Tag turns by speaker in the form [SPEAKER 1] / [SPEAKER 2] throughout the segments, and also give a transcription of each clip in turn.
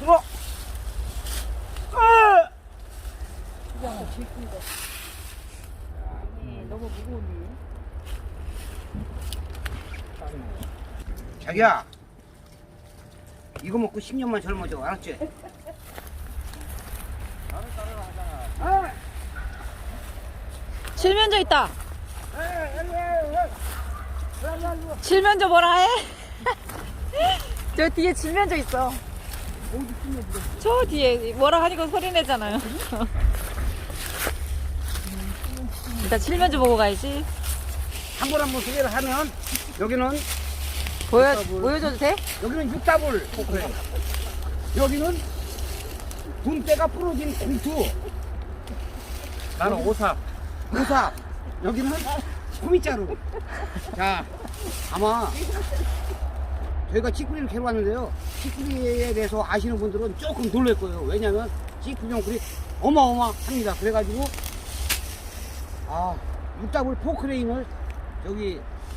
[SPEAKER 1] 들어.
[SPEAKER 2] 너무 무거운데.
[SPEAKER 1] 자기야, 이거 먹고 10년만 젊어져, 알았지?
[SPEAKER 3] 칠면조 있다. 칠면조 뭐라 해? 저 뒤에 칠면조 있어. 저 뒤에 뭐라 하니까 소리 내잖아요. 일단 칠면조 보고 가야지.
[SPEAKER 1] 한 번 소개를 하면 여기는
[SPEAKER 3] 보여줘도 돼?
[SPEAKER 1] 여기는 육다불 포크레인, 여기는 분대가 부러진 공투,
[SPEAKER 4] 나는 오사.
[SPEAKER 1] 오삽, 여기는 코미자루. 자, 아마 저희가 찌꾸리를 캐러 왔는데요, 찌꾸리에 대해서 아시는 분들은 조금 놀랄 거예요. 왜냐면 찌꾸리 용쿨이 어마어마합니다. 그래가지고 육다불 포크레인을 저기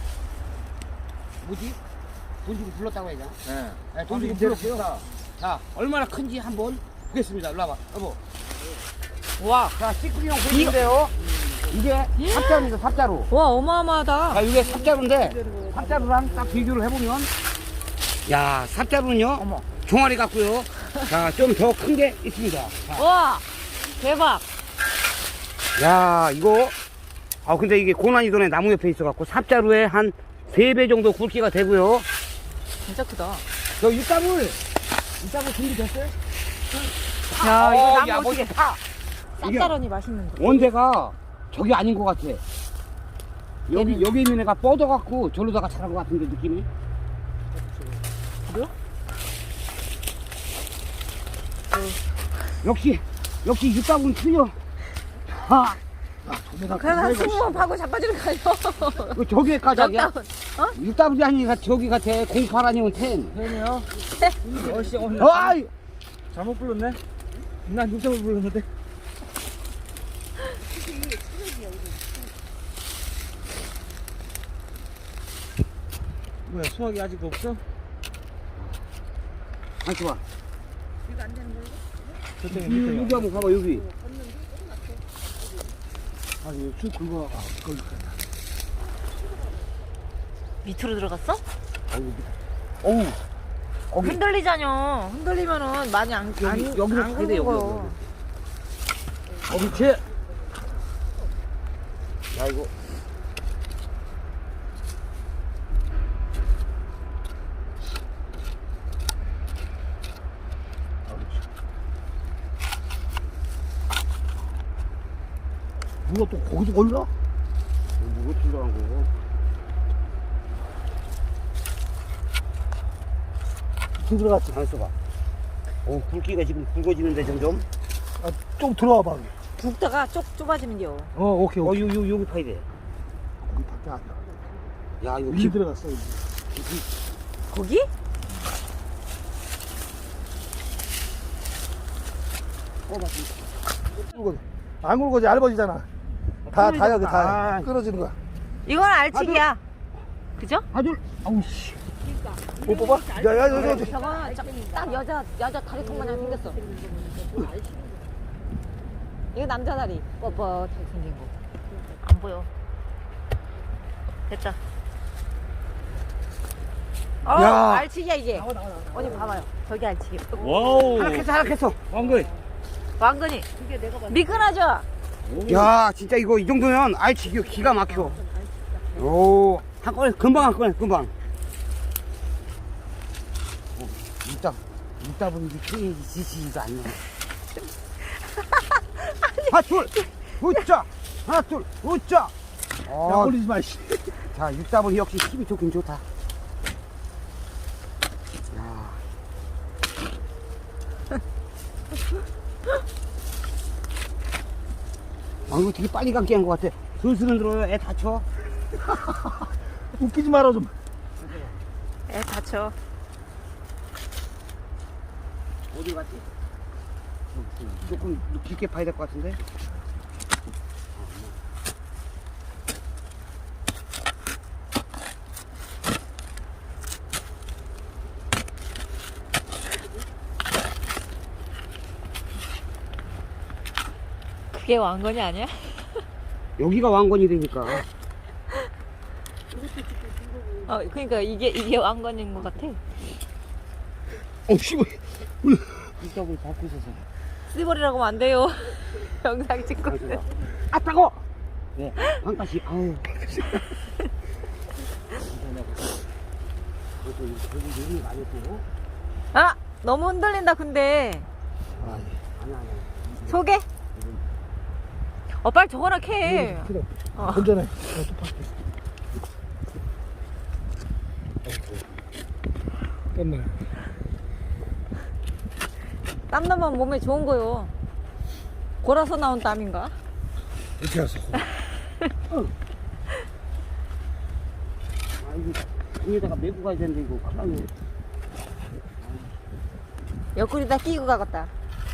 [SPEAKER 1] 뭐지? 돈 주고 불렀다고 해야 되나? 네, 돈 주고 불렀고요. 자, 얼마나 큰지 한번 보겠습니다. 일로 와봐, 여보.
[SPEAKER 3] 와,
[SPEAKER 1] 자, 찌꾸리용 보이는데요. 이게 삽자루입니다, 삽자루.
[SPEAKER 3] 와 어마어마하다.
[SPEAKER 1] 자, 이게 삽자루인데, 삽자루랑 딱 비교를 해보면, 야, 삽자루는요, 종아리 같고요. 자, 좀 더 큰 게 있습니다. 자,
[SPEAKER 3] 와, 대박.
[SPEAKER 1] 야, 이거, 근데 이게 고난이도네 나무 옆에 있어갖고, 삽자루에 한 3배 정도 굵기가 되고요.
[SPEAKER 3] 진짜 크다.
[SPEAKER 1] 저 육다불 준비됐어요?
[SPEAKER 3] 야, 이거
[SPEAKER 1] 야,
[SPEAKER 3] 나무 어떻게
[SPEAKER 1] 멋있다.
[SPEAKER 3] 쌉싸러니 맛있는데.
[SPEAKER 1] 원대가 저기 아닌 것 같아. 여기 있는 애가 뻗어갖고 저로다가 자란 것 같은데, 느낌이.
[SPEAKER 3] 그래요?
[SPEAKER 1] 역시 육다불은 틀려.
[SPEAKER 3] 그냥 승무원 파고 자빠지는 거예요.
[SPEAKER 1] 저기에 가자기야.
[SPEAKER 3] 럭다운.
[SPEAKER 1] 육다불이 아니니까 저기 같아. 08 아니면 10.
[SPEAKER 4] 팬이요? 어씨 오늘
[SPEAKER 1] 어이!
[SPEAKER 4] 잘못 불렀네. 난 육점을 불렀는데. 뭐야 수학이 아직 없어?
[SPEAKER 1] 안 좋아.
[SPEAKER 4] 저쪽에
[SPEAKER 1] 여기
[SPEAKER 4] 밑에.
[SPEAKER 1] 한번 가봐, 여기.
[SPEAKER 4] 아니 쭉 긁어.
[SPEAKER 3] 밑으로 들어갔어?
[SPEAKER 1] 어우. 거기,
[SPEAKER 3] 흔들리잖여. 흔들리면은 많이 안
[SPEAKER 1] 여기로 가야 돼,
[SPEAKER 3] 긁어.
[SPEAKER 1] 그렇지. 야, 이거. 누가 또 거기서 올라? 누가 들어간 거고?
[SPEAKER 4] 쭉 들어갔지.
[SPEAKER 1] 안 써봐. 굵기가 지금 굵어지는데 점점.
[SPEAKER 4] 좀 들어와 봐.
[SPEAKER 3] 굵다가 좁아지면요.
[SPEAKER 4] 오케이.
[SPEAKER 1] 여기 파야 돼.
[SPEAKER 4] 거기 밖에 안 나.
[SPEAKER 1] 야, 이거
[SPEAKER 4] 여기 들어갔어. 여기.
[SPEAKER 3] 거기?
[SPEAKER 4] 안 굵어지 얇아지잖아. 다 여기 다
[SPEAKER 1] 아.
[SPEAKER 4] 끊어지는 거야.
[SPEAKER 3] 이건 알치기야. 그죠?
[SPEAKER 1] 아들, 아우 씨.
[SPEAKER 4] 못 뽑아? 야.
[SPEAKER 3] 저거 딱 여자 다리통 마냥 생겼어. 이거 남자 다리 뻣뻣하게 생긴 거. 안 보여. 됐다.
[SPEAKER 1] 야.
[SPEAKER 3] 알치기야 이게. 어디 봐봐요. 저기 알치기.
[SPEAKER 4] 와우.
[SPEAKER 1] 하락했어.
[SPEAKER 4] 왕거리.
[SPEAKER 3] 왕건이. 미끈하죠?
[SPEAKER 1] 야, 진짜 이거 이 정도면 알치기 기가 막혀. 오, 한꺼번에 금방. 이따 보니 크게 지치지도 않네. 하나, 둘, 웃자. 하나, 둘, 웃자.
[SPEAKER 4] 야, 올리지 마, 씨.
[SPEAKER 1] 자, 육다분 역시 힘이 좋긴 좋다. 야. 이거 되게 빨리 감기 한 것 같아. 슬슬 들어요. 애 다쳐.
[SPEAKER 4] 웃기지 마라, 좀.
[SPEAKER 3] 애 다쳐.
[SPEAKER 1] 어디 갔지? 조금 깊게 파야 될 것 같은데?
[SPEAKER 3] 그게 왕건이 아니야?
[SPEAKER 1] 여기가 왕건이 되니까.
[SPEAKER 3] 그러니까 이게 왕건인 것 같아.
[SPEAKER 1] 씨발. 이쪽을 밟고 있어서.
[SPEAKER 3] 쓰버리라고 하면 안 돼요. 영상 찍고 있어.
[SPEAKER 1] 아, 따가워! 네, 한 가지, 아우.
[SPEAKER 3] 아! 너무 흔들린다, 근데.
[SPEAKER 1] 아니야.
[SPEAKER 3] 소개? 빨리 저거나 캐.
[SPEAKER 4] 건전해. 땀나.
[SPEAKER 3] 땀 나면 몸에 좋은 거요. 골아서 나온 땀인가?
[SPEAKER 4] 이렇게 해서.
[SPEAKER 1] 이거, 위에다가 메고 가야 되는데, 이거. 큰일 나네.
[SPEAKER 3] 옆구리다 끼고 가겠다.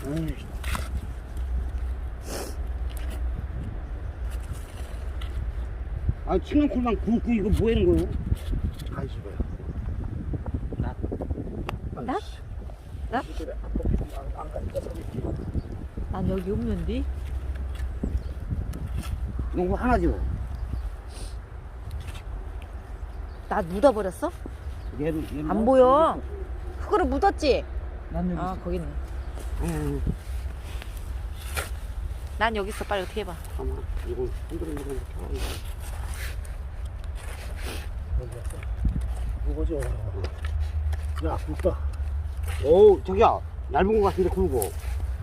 [SPEAKER 1] 칠렁쿨만 굵고 이거 뭐 하는 거예요?
[SPEAKER 4] 아이씨, 뭐야.
[SPEAKER 3] 나? 나? 난 여기 없는데?
[SPEAKER 1] 농구 하나죠?
[SPEAKER 3] 나 묻어버렸어?
[SPEAKER 1] 얘를
[SPEAKER 3] 안 보여. 흙으로 묻었지?
[SPEAKER 1] 난 여기
[SPEAKER 3] 아, 거기 있네. 난 여기 있어. 빨리 어떻게 해봐.
[SPEAKER 1] 잠깐만, 이거 흔들흔들
[SPEAKER 4] 무거죠. 야, 굵다.
[SPEAKER 1] 오, 저기야, 얇은 거 같은데 굵고.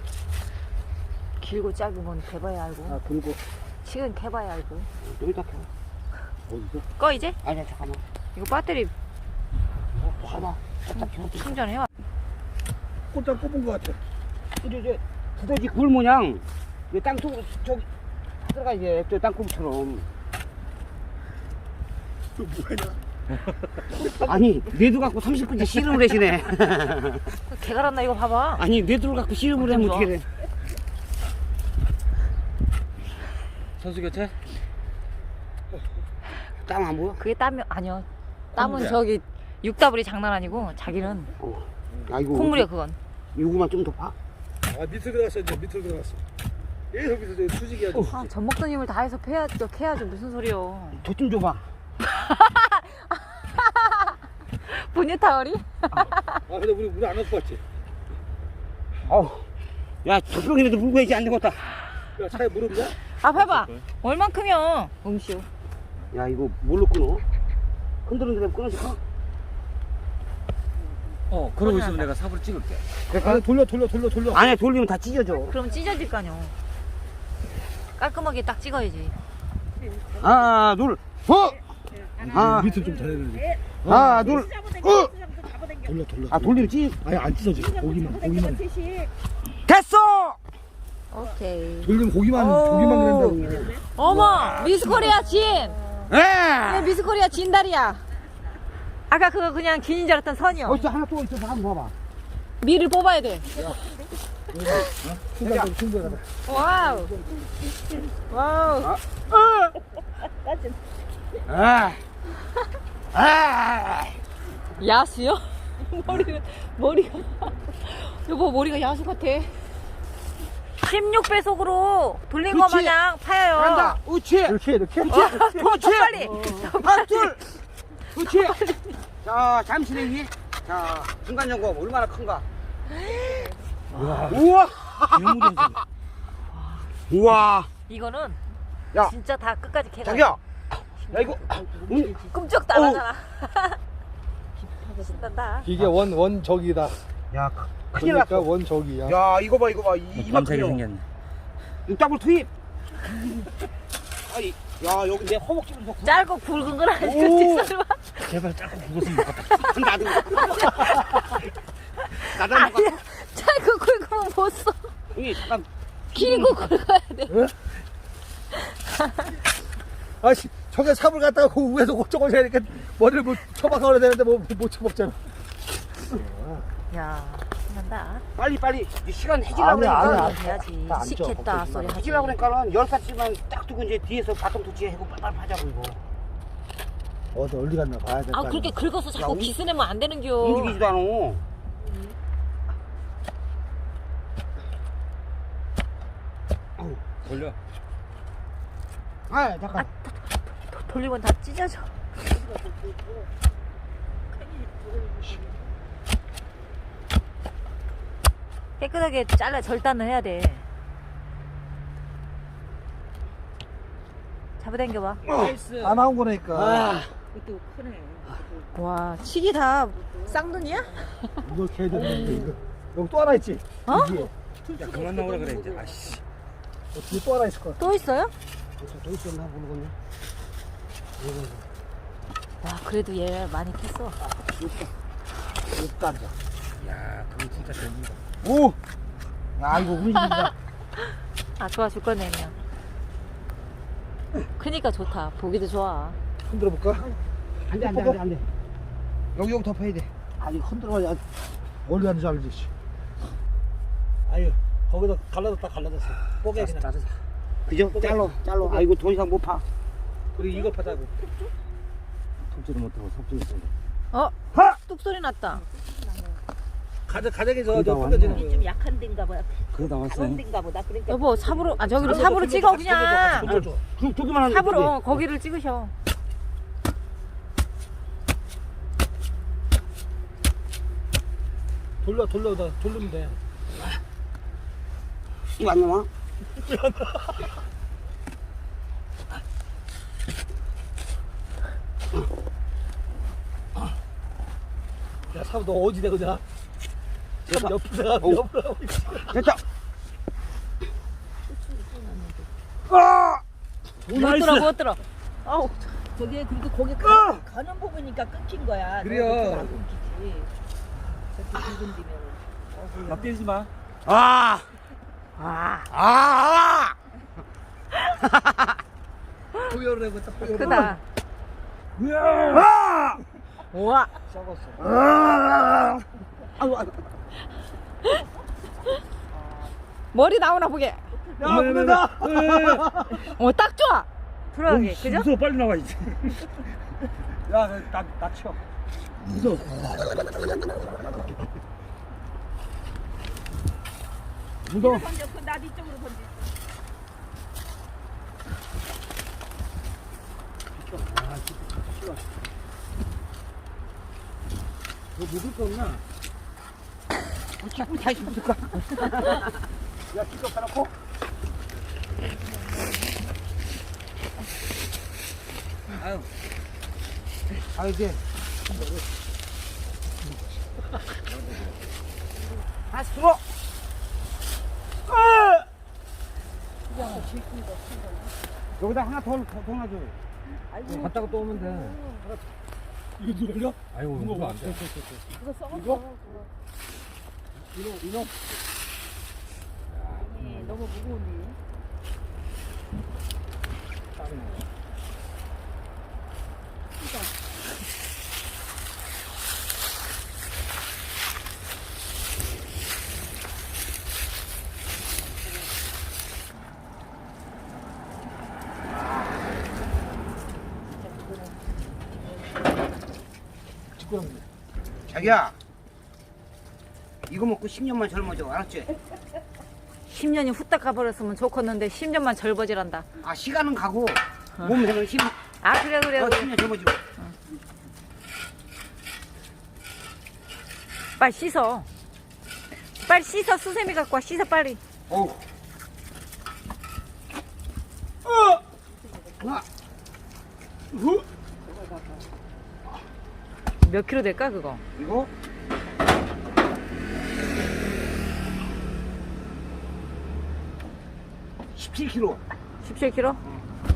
[SPEAKER 3] 길고 짧은 건 개봐야 알고.
[SPEAKER 4] 아, 굵고.
[SPEAKER 3] 치근 개봐야 알고.
[SPEAKER 1] 여기다 켜.
[SPEAKER 4] 어디서?
[SPEAKER 3] 꺼 이제?
[SPEAKER 1] 아니야, 잠깐만.
[SPEAKER 3] 이거 배터리
[SPEAKER 1] 봐봐. 갖다 켜.
[SPEAKER 3] 충전해와.
[SPEAKER 4] 꼴딱 꼽은 것 같아.
[SPEAKER 1] 이제 두더지 굴 모양 땅속으로 저기 들어가 이제 저 땅콩처럼.
[SPEAKER 4] 또 뭐하냐?
[SPEAKER 1] 아니 뇌도 갖고 30분째 씨름을 하시네.
[SPEAKER 3] 개가 났나 이거 봐봐.
[SPEAKER 1] 아니 뇌도 갖고 씨름을 하면 어떻게 돼?
[SPEAKER 2] 선수 교체?
[SPEAKER 1] 땀 안 보여?
[SPEAKER 3] 그게 땀이 아니요. 땀은
[SPEAKER 4] 콧물이야.
[SPEAKER 3] 저기 육다불이 장난 아니고 자기는
[SPEAKER 1] 아 이거
[SPEAKER 3] 콧물이야 그건.
[SPEAKER 1] 요거만 좀 더 봐.
[SPEAKER 4] 아, 밑으로 들어갔어, 이제 밑으로 들어갔어. 계속 밑으로 수직이 아주.
[SPEAKER 3] 아, 젖 먹던 힘을 다해서 캐야죠. 무슨 소리요.
[SPEAKER 1] 저 좀 줘봐.
[SPEAKER 3] 분유 타월이?
[SPEAKER 4] 아, 근데 우리 물 안 넣고 왔지?
[SPEAKER 1] 어우, 야 젖병이라도 물고 해야지 안 되겠다.
[SPEAKER 4] 야, 차에 물 없냐?
[SPEAKER 3] 아 봐봐. 얼만큼이요? 음쇼.
[SPEAKER 1] 야 이거 뭘로 끊어? 흔들흔들 끊어질까?
[SPEAKER 2] 그러고 있으면 내가 삽으로 찍을게.
[SPEAKER 4] 아, 돌려.
[SPEAKER 1] 아니야 돌리면 다 찢어져.
[SPEAKER 3] 그럼 찢어질 거 아니요. 깔끔하게 딱 찍어야지.
[SPEAKER 1] 하나 둘 하나
[SPEAKER 4] 밑으로 좀 잘해야 돼.
[SPEAKER 1] 하나 둘
[SPEAKER 4] 돌려.
[SPEAKER 1] 아 돌리면 찢
[SPEAKER 4] 아니, 안 찢어져. 고기만.
[SPEAKER 1] 됐어.
[SPEAKER 3] 오케이.
[SPEAKER 4] 돌리면 고기만 그런다고.
[SPEAKER 3] 어머 미스코리아 진.
[SPEAKER 1] 예.
[SPEAKER 3] 미스코리아 진다리야. 아까 그거 그냥 긴인 줄 알았던 선이요.
[SPEAKER 1] 어디서 하나 또 있어서 한번 봐봐.
[SPEAKER 3] 미를 뽑아야 돼.
[SPEAKER 4] 충분하다.
[SPEAKER 3] 와우. 와우. 야수요? 머리가 여보 머리가 야수 같아. 16배속으로 돌린 거
[SPEAKER 1] 그치.
[SPEAKER 3] 마냥 파여요.
[SPEAKER 1] 간다. 우치.
[SPEAKER 4] 이렇게.
[SPEAKER 1] 우치.
[SPEAKER 3] 빨리.
[SPEAKER 1] 하나 둘. 우치. 자 잠시 내기. 자 중간 점검 얼마나 큰가. 우와. 우와.
[SPEAKER 3] 이거는
[SPEAKER 1] 야.
[SPEAKER 3] 진짜 다 끝까지 캐가.
[SPEAKER 1] 자기야. 야 이거.
[SPEAKER 3] 꿈쩍도 안 하잖아. 신난다.
[SPEAKER 4] 이게 원 저기다.
[SPEAKER 1] 야 큰일 났어.
[SPEAKER 4] 그러니까 원 저기야.
[SPEAKER 1] 야 이거 봐
[SPEAKER 2] 밤차게
[SPEAKER 1] 이만큼이요.
[SPEAKER 2] 생겼네.
[SPEAKER 1] 육답을 투입. 아니 야 여기 내 허벅지를 더
[SPEAKER 3] 짧고 굵은 건 아니지.
[SPEAKER 1] 오.
[SPEAKER 3] 뒷소리 봐.
[SPEAKER 2] 제발 짧고 굵었으면 좋겠다.
[SPEAKER 1] 나도 나도
[SPEAKER 3] 아니야. 짧고 굵으면 못 써.
[SPEAKER 1] 여기 잠깐
[SPEAKER 3] 길고 굵어야 돼.
[SPEAKER 4] 아씨, 저게 삽을 갖다가 그 위에서 저걸 해야 되니까 머리를 뭐 쳐박아야 되는데 못 쳐박잖아.
[SPEAKER 3] 야, 신난다.
[SPEAKER 1] 빨리 이제 시간 해지려고
[SPEAKER 4] 아니야,
[SPEAKER 1] 그러니까
[SPEAKER 4] 아니야.
[SPEAKER 3] 해야지.
[SPEAKER 4] 다 앉아,
[SPEAKER 3] 시켰다
[SPEAKER 4] 걱정하지
[SPEAKER 3] 소리
[SPEAKER 4] 마.
[SPEAKER 3] 하지.
[SPEAKER 1] 해지려고 그러니까는 10살쯤만 딱 두고 이제 뒤에서 바통 터치 하고 빨리 하자고 이거
[SPEAKER 4] 어디 갔나 봐야 돼.
[SPEAKER 3] 아 그렇게 긁어서 자꾸
[SPEAKER 1] 야,
[SPEAKER 3] 기스내면 안 되는겨.
[SPEAKER 1] 움직이지도 않아.
[SPEAKER 2] 돌려.
[SPEAKER 1] 아 잠깐.
[SPEAKER 3] 돌리면 다 찢어져. 깨끗하게 잘라 절단을 해야 돼. 잡아당겨봐.
[SPEAKER 2] 나이스.
[SPEAKER 4] 안 나온 거니까.
[SPEAKER 1] 아
[SPEAKER 2] 그것도 크네.
[SPEAKER 3] 와, 칡이 다 쌍둥이야?
[SPEAKER 4] 이거 개야 되는데 이거. 여기 또 하나 있지.
[SPEAKER 3] 어?
[SPEAKER 4] 여기에.
[SPEAKER 2] 야 그만 나오라 그래 이제. 아씨.
[SPEAKER 4] 뒤에 또 하나 있을 거야.
[SPEAKER 3] 또 있어요?
[SPEAKER 1] 또 있었나 모르겠네.
[SPEAKER 3] 와, 그래도 얘 많이 캤어.
[SPEAKER 4] 여기도 앉아.
[SPEAKER 2] 야 그거 진짜 재밌다.
[SPEAKER 4] 오. 야 이거 우리 집이다.
[SPEAKER 3] 아, 좋아 죽겠네 그냥. 크니까 좋다. 보기도 좋아.
[SPEAKER 4] 흔들어 볼까?
[SPEAKER 1] 안돼. 여기 덮어야 돼.
[SPEAKER 4] 아니 흔들어야 어디 가는지 알지. 씨. 아유 거기다 갈라졌어. 뽀개 그냥.
[SPEAKER 2] 짜증나.
[SPEAKER 1] 그죠? 잘로. 아이고 더 이상 못 파.
[SPEAKER 4] 그리고 이거 파자고.
[SPEAKER 2] 톱질을 못하고 섭질을 써.
[SPEAKER 3] 어? 뚝 소리 났다.
[SPEAKER 4] 가작이 저
[SPEAKER 2] 거기다
[SPEAKER 4] 끊어지는
[SPEAKER 2] 왔네.
[SPEAKER 4] 거예요.
[SPEAKER 5] 좀 약한 데인가 보다.
[SPEAKER 2] 그거 나왔어.
[SPEAKER 5] 다른 데인가 보다. 그러니까
[SPEAKER 3] 여보, 삽으로, 아, 저기로 삽으로 찍어, 그냥.
[SPEAKER 1] 두 개만 하는
[SPEAKER 3] 삽으로,
[SPEAKER 1] 거지.
[SPEAKER 3] 거기를 찍으셔.
[SPEAKER 4] 돌리면 돼.
[SPEAKER 1] 이거 안 나와?
[SPEAKER 4] 야 사부 너 어디 대 그냥? 참 옆에다가
[SPEAKER 1] 어우.
[SPEAKER 4] 옆으로 하고 있어.
[SPEAKER 1] 됐다. 아!
[SPEAKER 3] 못 들어. 아우,
[SPEAKER 5] 저게 그래도 고기 가는 부분이니까 끊긴 거야.
[SPEAKER 4] 그래요.
[SPEAKER 5] 안 끊기지. 저렇게 굵은 데면.
[SPEAKER 2] 나 때리지 마.
[SPEAKER 1] 아! 아!
[SPEAKER 4] 포열을 해고 딱 포열.
[SPEAKER 3] 크다.
[SPEAKER 1] 아!
[SPEAKER 3] 우와.
[SPEAKER 4] 썩었어.
[SPEAKER 1] 아! 아유, 아유.
[SPEAKER 3] 머리 나오나 보게.
[SPEAKER 4] 야 그러다.
[SPEAKER 3] 딱 좋아. 들어가게, 그죠?
[SPEAKER 2] 무서워 빨리 나와 이제.
[SPEAKER 4] 야나 쳐.
[SPEAKER 2] 무서워.
[SPEAKER 1] 무서워.
[SPEAKER 5] 던져. 그 나도 이쪽으로 던져.
[SPEAKER 1] 너 묻을 거 없나? 우리 다시 묻을까?
[SPEAKER 4] 야 기껏 사놓고.
[SPEAKER 1] 아유. 아유, 이제. 다시 들어! 여기다 하나 더 놔줘.
[SPEAKER 2] 갔다가 또 오면 돼.
[SPEAKER 4] 이거 누가 걸려?
[SPEAKER 2] 아이고 이거 안 돼.
[SPEAKER 5] 그거 썩었어.
[SPEAKER 4] 이놈.
[SPEAKER 5] 네, 너무 무거운데.
[SPEAKER 1] 자기야. 이거 먹고 10년만 젊어져. 알았지?
[SPEAKER 3] 10년이 후딱 가버렸으면 좋겠는데 10년만 절버질한다.
[SPEAKER 1] 아, 시간은 가고, 몸에는 힘,
[SPEAKER 3] 아, 그래.
[SPEAKER 1] 10년 젊어지고.
[SPEAKER 3] 빨리 씻어. 빨리 씻어. 수세미 갖고 와. 씻어 빨리.
[SPEAKER 1] 어우. 하나.
[SPEAKER 3] 몇 킬로 될까 그거?
[SPEAKER 1] 이거? 17kg.
[SPEAKER 3] 17킬로?